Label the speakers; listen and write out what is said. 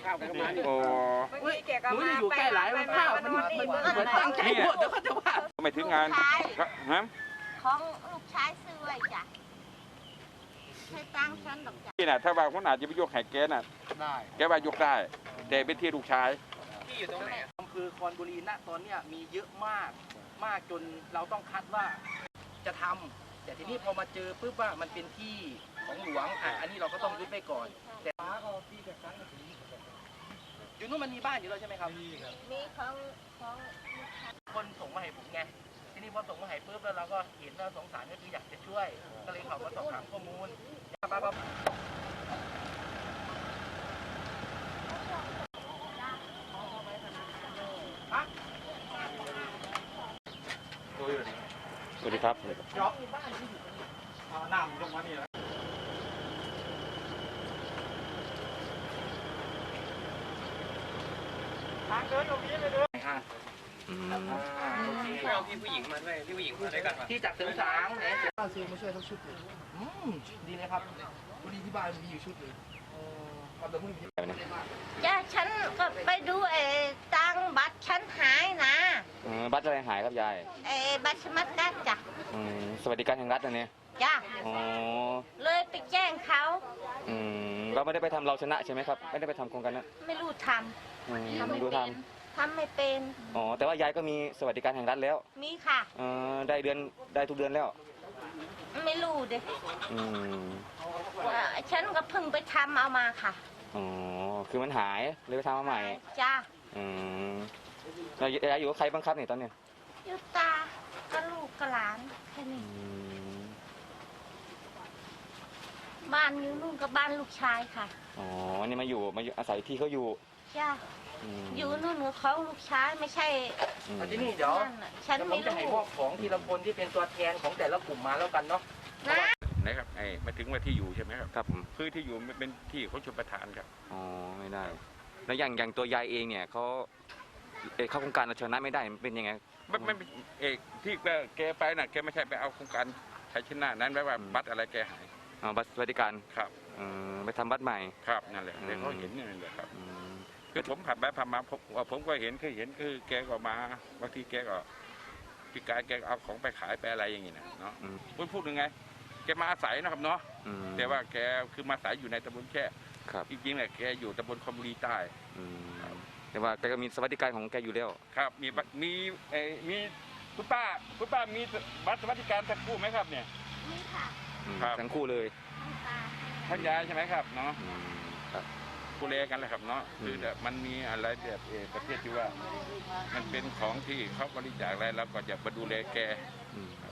Speaker 1: ข้าวกันมา
Speaker 2: โอ้
Speaker 1: หนูอยู่ใกล้หลายมันข้าวมันเหมือนตั้งใจพูดเดี๋ยวเขาจะว่า
Speaker 2: ไม่ถึงงานฮะ
Speaker 3: ของลูกชายซื้อไว้จ้ะใช้ตังค์ฉันหรอกจ้ะ
Speaker 2: นี่น่ะถ้าว่าคนอาจจะไปยกแหกแกน่ะ
Speaker 1: ได้
Speaker 2: แกว่ายกได้แต่เป็นที่ลูกชาย
Speaker 1: ที่อยู่ตรงไหนอำเภอคอนบุรีณตอนเนี้ยมีเยอะมากจนเราต้องคัดว่าจะทำแต่ทีนี้พอมาเจอปุ๊บว่ามันเป็นที่ของหลวงอันนี้เราก็ต้องยึดไว้ก่อนแต่อยู่นู้นมันมีบ้านอยู่แล้วใช่ไหมครับ
Speaker 3: มีของ
Speaker 1: คนส่งมาให้ผมไงทีนี้พอส่งมาให้ปุ๊บแล้วเราก็เห็นแล้วสงสารก็คืออยากจะช่วยก็เลยเขามาสอบถามข้อมูล
Speaker 2: สวัสดีครับ
Speaker 1: จ็อบเอาน้ำลงมานี่แล้วทางเดินตรงนี้เลยเด้อ
Speaker 4: เอาพี่ผู้หญิงมาด้วยพี่ผู้หญิงมาด้วยกัน
Speaker 1: ที่จากเสริมสางเนี่ยป้าซื้อมาช่วยทั้งชุดเลยดีเลยครับพอดีที่บ้านมีอยู่ชุดเลยเอาแต่พวกนี้
Speaker 3: จ้ะฉันก็ไปดูตังบัตรฉันหายนะ
Speaker 5: บัตรอะไรหายครับยาย
Speaker 3: บัตรสมัครการจ้ะ
Speaker 5: สวัสดิการแห่งรัฐนะเนี่ย
Speaker 3: จ้ะเลยไปแจ้งเขา
Speaker 5: เราไม่ได้ไปทำเราชนะใช่ไหมครับไม่ได้ไปทำโครงการนั้น
Speaker 3: ไม่รู้ทำ
Speaker 5: ไม่รู้ท
Speaker 3: ำไม่เป็น
Speaker 5: แต่ว่ายายก็มีสวัสดิการแห่งรัฐแล้ว
Speaker 3: มีค่ะ
Speaker 5: ได้ทุกเดือนแล้ว
Speaker 3: ไม่รู้เด็กฉันก็เพิ่งไปทำเอามาค่ะ
Speaker 5: คือมันหายเลยไปทำมาใหม่
Speaker 3: จ้า
Speaker 5: เรายายอยู่กับใครบ้างครับเนี่ยตอนนี้
Speaker 3: อยู่ตาก็ลูกกับหลานแค่นี้บ้านอยู่นู่นกับบ้านลูกชายค่ะ
Speaker 5: นี่มาอยู่อาศัยที่เขาอยู่
Speaker 3: จ้าอยู่นู่นเขาลูกชายไม่ใช่
Speaker 1: ที่นี่เดี๋ยวผมจะให้พวกของทีละคนที่เป็นตัวแทนของแต่ละกลุ่มมาแล้วกันเนาะ
Speaker 2: นะครับมาถึงว่าที่อยู่ใช่ไหมครับ
Speaker 5: ครับ
Speaker 2: คือที่อยู่เป็นที่ของชลประทานครับ
Speaker 5: ไม่ได้แล้วอย่างตัวยายเองเนี่ยเขาเข้าโครงการเราชนะไม่ได้เป็นยังไง
Speaker 2: ไม่ที่แกไปน่ะแกไม่ใช่ไปเอาโครงการชัยชนะนั้นแปลว่าบัตรอะไรแกหาย
Speaker 5: บัตรสวัสดิการ
Speaker 2: ครับ
Speaker 5: ไปทำบัตรใหม่
Speaker 2: ครับนั่นแหละเดี๋ยวเขาเห็นนี่แหละครับคือผมผ่านไปผ่านมาผมก็เห็นคือแกก็มาบางทีแกก็พี่กายแกเอาของไปขายไปอะไรอย่างงี้นะเนาะพูดยังไงแกมาอาศัยนะครับเนาะแต่ว่าแกคือมาอาศัยอยู่ในตำบลแค่จริงๆแหละแกอยู่ตำบลคอมบุรีใต้
Speaker 5: แต่ว่าแกก็มีสวัสดิการของแกอยู่แล้ว
Speaker 2: ครับมีคุณป้ามีบัตรสวัสดิการทั้งคู่ไหมครับเนี่ย
Speaker 3: มีค่ะ
Speaker 5: ทั้งคู่เลย
Speaker 2: ทั้งยายใช่ไหมครับเนาะดูแลกันเลยครับเนาะคือแบบมันมีอะไรแบบประเภทที่ว่ามันเป็นของที่เขาบริจาคอะไรแล้วก็จะมาดูแลแก